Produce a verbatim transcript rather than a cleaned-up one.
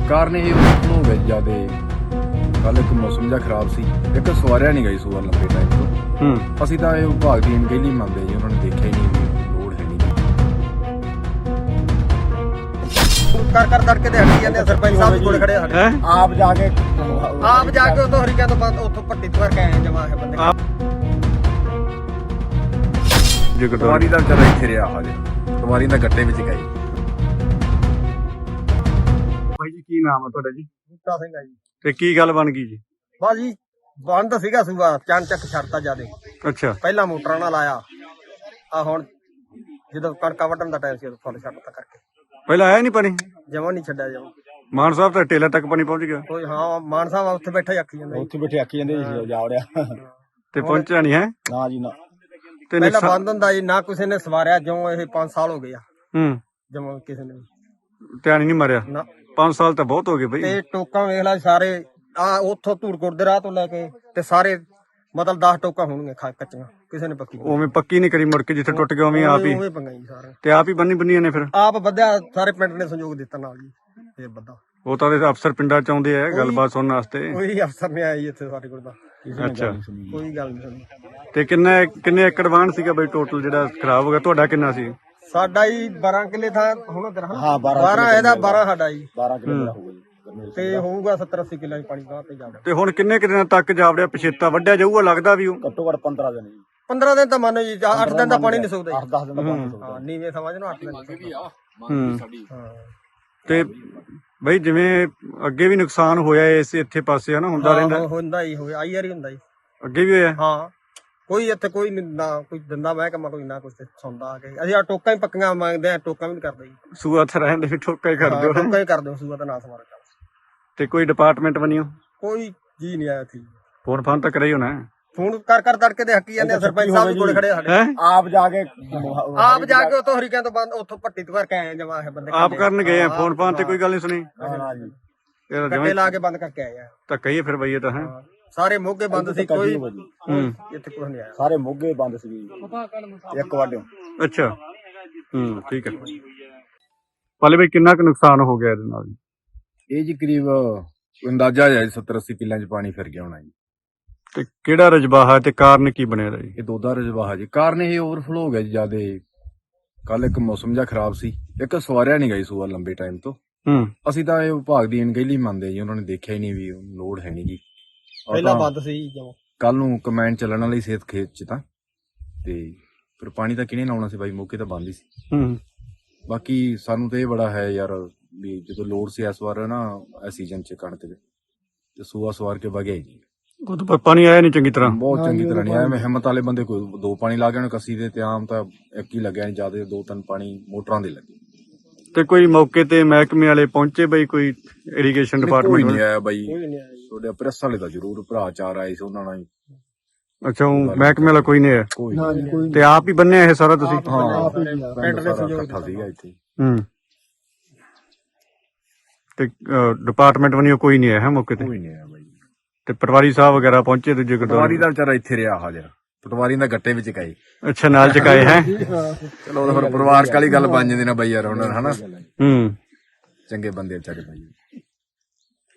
ਕਾਰਨ ਇਹ ਹੋ ਗਿਆ ਜਿਆਦਾ ਕੱਲ ਇੱਕ ਮੌਸਮ ਜਿਹਾ ਖਰਾਬ ਸੀ, ਇੱਕ ਸਵਾਰਿਆ ਨਹੀਂ ਗਈ ਸੂਆ ਲੰਬੇ ਟਾਈਮ ਤੋਂ। ਹੂੰ ਅਸੀਂ ਤਾਂ ਇਹ ਵਿਭਾਗ ਦੀ ਅਣਗਹਿਲੀ ਮੰਨਦੇ ਜੀ, ਉਹਨਾਂ ਨੇ ਦੇਖਿਆ ਹੀ ਨਹੀਂ ਵੀ ਲੋੜ ਹੈ ਨਹੀਂ। ਕਰ ਕਰ ਤੜਕੇ ਤੇ ਹੱਟੀ ਜਾਂਦੇ ਸਰਪੰਚ ਸਾਹਿਬ ਕੋਲ ਖੜੇ ਆ ਹੈ ਆਪ ਜਾ ਕੇ ਆਪ ਜਾ ਕੇ ਉਤੋਂ ਹਰੀਕਿਆਂ ਤੋਂ ਬਾਅਦ ਉੱਥੋਂ ਪੱਟੀ ਤੋਂ ਕਰਕੇ ਆਏ ਜਮਾ ਹੈ ਬੰਦੇ। ਜੇ ਪਟਵਾਰੀ ਦਾ ਵਿਚਾਰਾ ਇੱਥੇ ਰਿਹਾ ਹਜੇ, ਪਟਵਾਰੀ ਦਾ ਗੱਟੇ ਵਿੱਚ ਗਏ। ਭਾਈ ਜੀ ਕੀ ਨਾਮ ਹੈ ਤੁਹਾਡਾ ਜੀ? ਬੂਟਾ ਸਿੰਘ ਆ ਜੀ। ਤੇ ਕੀ ਗੱਲ ਬਣ ਗਈ ਜੀ? ਬਸ ਜੀ ਬੰਦ ਸੀਗਾ ਸੂਆ, ਚੰਨ ਚੱਕ ਛੱਡਤਾ ਜਿਆਦੇ। ਅੱਛਾ ਪਹਿਲਾਂ ਮੋਟਰਾਂ ਨਾਲ ਆਇਆ, ਆ ਹੁਣ ਜਦੋਂ ਕਣਕਾਂ ਵੱਢਣ ਦਾ ਟਾਈਮ ਸੀ ਉਦੋਂ ਫੁੱਲ ਛੱਡਤਾ ਕਰਕੇ। ਪਹਿਲਾਂ ਆਇਆ ਨਹੀਂ ਪਾਣੀ? ਜਮਾ ਨਹੀਂ ਛੱਡਿਆ ਜਮਾ। ਮਾਨ ਸਾਹਿਬ ਤਾਂ ਟੇਲਾ ਤੱਕ ਪਾਣੀ ਪਹੁੰਚ ਗਿਆ। ਕੋਈ ਹਾਂ ਮਾਨ ਸਾਹਿਬ ਉੱਥੇ ਬੈਠਾ ਹੀ ਆਖੀ ਜਾਂਦਾ। ਉੱਥੇ ਬੈਠੇ ਆਖੀ ਜਾਂਦੇ ਜੀ ਜਾ ਵੜਿਆ ਤੇ ਪਹੁੰਚਿਆ ਨਹੀਂ ਹੈ? ਨਾ ਜੀ ਨਾ। ਤੇ ਪਹਿਲਾਂ ਨੁਕਸਾਨ- ਬੰਦ ਹੁੰਦਾ ਜੀ, ਨਾ ਕਿਸੇ ਨੇ ਸਵਾਰਿਆ, ਜਿਉਂ ਇਹ ਪੰਜ ਸਾਲ ਹੋ ਗਏ ਆ ਹੂੰ ਜਮਾ ਕਿਸੇ ਨੇ ਧਿਆਨ ਹੀ ਨਹੀਂ ਮਾਰਿਆ। ਨਾ। ਪੰਜ ਸਾਲ ਤਾਂ ਬਹੁਤ ਹੋ ਗਏ ਬਈ। ਤੇ ਟੋਕਾਂ ਵੇਖ ਲੈ ਸਾਰੇ ਆ ਉੱਥੋਂ ਧੂੜਕੋਟ ਦੇ ਰਾਹ ਤੋਂ ਲੈ ਕੇ ਤੇ ਸਾਰੇ ਮਤਲਬ ਦਸ ਟੋਕਾਂ ਹੋਣਗੀਆਂ ਖਾ ਕੱਚੀਆਂ, ਕਿਸੇ ਨੇ ਪੱਕੀ ਉਵੇਂ ਪੱਕੀ ਨਹੀਂ ਕਰੀ, ਮੁੜ ਕੇ ਜਿੱਥੇ ਟੁੱਟ ਗਿਆ ਉਵੇਂ ਆਪ ਹੀ ਉਵੇਂ ਪੰਗਾ ਜੀ ਸਾਰੇ ਤੇ ਆਪ ਹੀ ਬੰਨੀ ਬੰਨੀਆਂ ਨੇ। ਫਿਰ ਆਪ ਵਧਿਆ, ਸਾਰੇ ਪਿੰਡ ਨੇ ਸਹਿਯੋਗ ਦਿੱਤਾ ਨਾਲ ਜੀ। ਫੇਰ ਵੱਧਾ ਉਹ ਤਾਂ ਇਹਦੇ ਅਫਸਰ ਪਿੰਡਾਂ ਚ ਆਉਂਦੇ ਆ ਗੱਲਬਾਤ ਸੁਣਨ ਵਾਸਤੇ। ਕੋਈ ਅਫਸਰ ਨਹੀਂ ਆਇਆ ਜੀ ਇੱਥੇ ਸਾਡੇ ਕੋਲ ਤਾਂ, ਅੱਛਾ ਕੋਈ ਗੱਲ ਨਹੀਂ ਸੁਣੀ। ਤੇ ਕਿੰਨੇ ਕਿੰਨੇ ਏਕੜ ਵਾਹਣ ਸੀਗਾ ਬਈ ਟੋਟਲ ਜਿਹੜਾ ਖਰਾਬ ਹੋ ਗਿਆ? ਤੁਹਾਡਾ ਕਿੰਨਾ ਸੀ? ਸਾਡਾ ਹੀ ਬਾਰਾਂ ਕਿੱਲੇ ਥਾਂ ਹੁਣ ਤੇਰਾ ਹਾਂ, ਬਾਰਾਂ ਬਾਰਾਂ ਇਹਦਾ ਬਾਰਾਂ ਸਾਡਾ ਜੀ, ਬਾਰਾਂ ਕਿਲੋਮੀਟਰ ਹੋ ਗਈ ਤੇ ਹੋਊਗਾ ਸੱਤਰ ਅੱਸੀ ਕਿੱਲੇ ਪਾਣੀ ਗਾਹ ਤੇ ਜਾਵੜਾ। ਤੇ ਹੁਣ ਕਿੰਨੇ ਕੁ ਦਿਨਾਂ ਤੱਕ ਜਾਵੜਿਆ ਪਛੇਤਾ ਵੱਢਿਆ ਜਾਊਗਾ ਲੱਗਦਾ ਵੀ ਉਹ? ਘੱਟੋ ਘੱਟ ਪੰਦਰਾਂ ਦਿਨ ਜੀ। ਪੰਦਰਾਂ ਦਿਨ ਤਾਂ ਮੰਨੋ ਜੀ, ਅੱਠ ਦਿਨ ਦਾ ਪਾਣੀ ਨਹੀਂ ਸੁੱਕਦਾ ਅੱਠ ਦਸ ਦਿਨ ਦਾ ਪਾਣੀ ਜੀ। ਹਾਂ ਨੀਵੇਂ ਸਮਝ ਲਓ ਅੱਠ ਦਿਨ ਦਾ। ਹੂੰ ਹਾਂ ਤੇ ਬਈ ਜਿਵੇਂ ਅੱਗੇ ਵੀ ਨੁਕਸਾਨ ਹੋਇਆ ਇਸ ਇੱਥੇ ਪਾਸੇ ਹਨਾ, ਹੁੰਦਾ ਰਹਿੰਦਾ? ਹਾਂ, ਹੁੰਦਾ ਹੀ ਹੋਇਆ, ਆਈ ਵਾਰੀ ਹੁੰਦਾ ਜੀ। ਅੱਗੇ ਵੀ ਹੋਇਆ? ਹਾਂ ਕੋਈ ਇੱਥੇ ਕੋਈ ਨੀ, ਨਾ ਕੋਈ ਦਿੰਦਾ ਮੈਂ ਕਮਾ ਕੋਈ ਨਾ ਕੁਛ ਤੇ ਸੁਣਦਾ ਆ ਕੇ। ਅਸੀਂ ਆ ਟੋਕਾਂ ਹੀ ਪੱਕੀਆਂ ਮੰਗਦੇ ਆ, ਟੋਕਾਂ ਵੀ ਨੀ ਕਰਦੇ ਜੀ। ਸੂਆ ਤੇ ਰਹਿੰਦੇ ਵੀ ਠੋਕਾ ਹੀ ਕਰ ਹਾਂ, ਦਿਓ। ਟੋਕਾਂ ਹੀ ਕਰਦੇ ਸੂਆ ਤਾਂ ਨਾ ਸਮਾਰ ਕਰ। ਤੇ ਕੋਈ ਡਿਪਾਰਟਮੈਂਟ ਬਣਿਓ? ਕੋਈ ਜੀ ਨਹੀਂ ਆਇਆ ਸੀ। ਫੋਨ ਫਾਨ ਤਾਂ ਕਰਿਆ ਹੀ ਹੋਣਾ। ਫੋਨ ਕਰ ਕਰ ਤੜਕੇ ਤੇ ਹੱਕੀ ਜਾਂਦੇ ਆ, ਸਰਪੰਚ ਸਾਹਿਬ ਕੋਲ ਖੜੇ ਆ ਸਾਡੇ। ਹੈ ਆਪ ਜਾ ਕੇ ਆਪ ਜਾ ਕੇ ਉਤੋਂ ਹਰੀਕਿਆਂ ਤੋਂ ਬਾਅਦ ਉੱਥੋਂ ਪੱਟੀ ਤੋਂ ਕਰਕੇ ਆਏ ਜਮਾ ਹੈ ਬੰਦੇ। ਆਪ ਕਰਨ ਗਏ ਆ, ਫੋਨ ਫਾਨ ਤੇ ਕੋਈ ਗੱਲ ਨਹੀਂ ਸੁਣੀ? ਨਾ ਜੀ ਇਹ ਕੱਟੇ ਲਾ ਕੇ ਬੰਦ ਕਰਕੇ ਆਏ ਆ। ਤਾਂ ਕਹੀਏ ਫਿਰ ਬਈ ਇਹ ਤਾਂ ਹੈ। ਹਾਂ, ਸਾਰੇ ਮੋਗੇ ਬੰਦ ਸੀ, ਕੋਈ ਹੂੰ ਇੱਥੇ ਕੁਝ ਨਹੀਂ ਆਇਆ। ਸਾਰੇ ਮੋਗੇ ਬੰਦ ਸੀ ਇੱਕ ਵਾਢਿਓ। ਅੱਛਾ ਹੂੰ ਠੀਕ ਹੈ। ਪਾਲੇ ਬਈ ਕਿੰਨਾ ਕੁ ਨੁਕਸਾਨ ਹੋ ਗਿਆ ਇਹਦੇ ਨਾਲ? ਇਹ ਜੀ ਕਰੀਬ ਅੰਦਾਜ਼ਾ ਹੈ ਸੱਤਰ ਅੱਸੀ ਕਿੱਲਿਆਂ 'ਚ ਪਾਣੀ ਫਿਰ ਗਿਆ ਹੋਣਾ ਜੀ। ਤੇ ਕਿਹੜਾ ਰਜਬਾਹਾ ਤੇ ਕਾਰਨ ਕੀ ਬਣਿਆ ਦਾ ਜੀ? ਇਹ ਦੋਦਾ ਰਜਵਾਹਾ ਜੀ, ਕਾਰਨ ਇਹ ਓਵਰਫਲੋ ਹੋ ਗਿਆ ਜੀ ਜਿਆਦਾ। ਕੱਲ ਇੱਕ ਮੌਸਮ ਜਿਹਾ ਖਰਾਬ ਸੀ, ਇੱਕ ਸਵਾਰਿਆ ਨਹੀਂ ਗਈ ਸੂਆ ਲੰਬੇ ਟਾਈਮ ਤੋਂ। ਹੂੰ ਅਸੀਂ ਤਾਂ ਇਹ ਵਿਭਾਗ ਦੀ ਅਣਗਹਿਲੀ ਮੰਨਦੇ ਜੀ, ਉਹਨਾਂ ਨੇ ਦੇਖਿਆ ਹੀ ਨਹੀਂ ਵੀ ਲੋੜ ਹੈ ਨਹੀਂ ਜੀ। ਪਹਿਲਾਂ ਬੰਦ ਸੀ ਜਮਾ। ਕੱਲ ਨੂੰ ਕਮੈਂਡ ਚੱਲਣ ਵਾਲੀ ਸਿਹਤ ਖੇਤ 'ਚ ਤਾਂ, ਤੇ ਫਿਰ ਪਾਣੀ ਤਾਂ ਕਿਹਨੇ ਲਾਉਣਾ ਸੀ ਬਾਈ, ਮੌਕੇ ਤਾਂ ਬੰਦ ਹੀ ਸੀ। ਹੂੰ ਬਾਕੀ ਸਾਨੂੰ ਤਾਂ ਇਹ ਬੜਾ ਹੈ ਯਾਰ ਵੀ ਜਦੋਂ ਲੋੜ ਸੀ ਇਸ ਵਾਰ ਨਾ ਇਸ ਸੀਜ਼ਨ 'ਚ ਕਣਕ ਦੇ, ਤੇ ਸੂਆ ਸਵਾਰ ਕੇ ਵਗਿਆ ਹੀ ਨਹੀਂ। ਉਹ ਤਾਂ ਪਾਣੀ ਆਇਆ ਨਹੀਂ ਚੰਗੀ ਤਰ੍ਹਾਂ। ਬਹੁਤ ਚੰਗੀ ਤਰ੍ਹਾਂ ਨਹੀਂ ਆਇਆ। ਮੈਂ ਹਿੰਮਤ ਵਾਲੇ ਬੰਦੇ ਕੋਈ ਦੋ ਪਾਣੀ ਲਾ ਗਏ ਕੱਸੀ ਦੇ, ਤੇ ਆਮ ਤਾਂ ਇੱਕ ਹੀ ਲੱਗਿਆ, ਨਹੀਂ ਜਿਆਦਾ ਦੋ ਤਿੰਨ ਪਾਣੀ ਮੋਟਰਾਂ ਦੇ ਲੱਗੇ। ਤੇ ਕੋਈ ਮੌਕੇ ਤੇ ਮਹਿਕਮੇ ਵਾਲੇ ਪਹੁੰਚੇ ਬਈ? ਕੋਈ ਇਰੀਗੇਸ਼ਨ ਕੋਈ ਡਿਪਾਰਟਮੈਂਟ? ਨਹੀਂ ਆਇਆ ਬਾਈ। ਕੋਈ ਨਹੀਂ ਆਇਆ ਜੀ। ਤੁਹਾਡੇ ਪ੍ਰੈਸ ਵਾਲੇ ਦਾ ਜ਼ਰੂਰ ਭਰਾ ਚਾਰ ਆਏ ਸੀ, ਉਹਨਾਂ ਨਾਲ ਹੀ। ਅੱਛਾ ਉਹ ਮਹਿਕਮੇ ਵਾਲਾ ਕੋਈ ਨਹੀਂ ਆਇਆ? ਕੋਈ ਨਹੀਂ। ਤੇ ਆਪ ਹੀ ਬੰਨਿਆ ਇਹ ਸਾਰਾ ਤੁਸੀਂ? ਹਾਂ ਪਿੰਡ ਦੇ ਸਹਿਯੋਗ ਇਕੱਠਾ ਸੀਗਾ ਇੱਥੇ। ਹੂੰ ਤੇ ਡਿਪਾਰਟਮੈਂਟ ਬਣਿਓ ਕੋਈ ਨਹੀਂ ਆਇਆ ਹੈ ਮੌਕੇ ਤੇ? ਕੋਈ ਨਹੀਂ ਆਇਆ ਬਾਈ। ਤੇ ਪਟਵਾਰੀ ਸਾਹਿਬ ਵਗੈਰਾ ਪਹੁੰਚੇ ਦੂਜੇ ਪਟਵਾਰੀ ਗੁਰਦੁਆਰੇ? ਦਾ ਵਿਚਾਰਾ ਇੱਥੇ ਰਿਹਾ ਹਾਜ਼ਰ, ਪਟਵਾਰੀ ਦਾ ਗੱਟੇ ਵਿੱਚ ਗਏ। ਅੱਛਾ ਨਾਲ ਚਕਾਏ ਹੈ? ਚਲੋ ਉਹ ਤਾਂ ਫਿਰ ਪਰਿਵਾਰਕ ਵਾਲੀ ਗੱਲ ਬਣ ਜਾਂਦੀ ਨਾ ਬਾਈ ਯਾਰ, ਉਹਨਾਂ ਹਨਾ ਹੂੰ ਚੰਗੇ ਬੰਦੇ ਵਿਚਾਰੇ ਬਾਈ।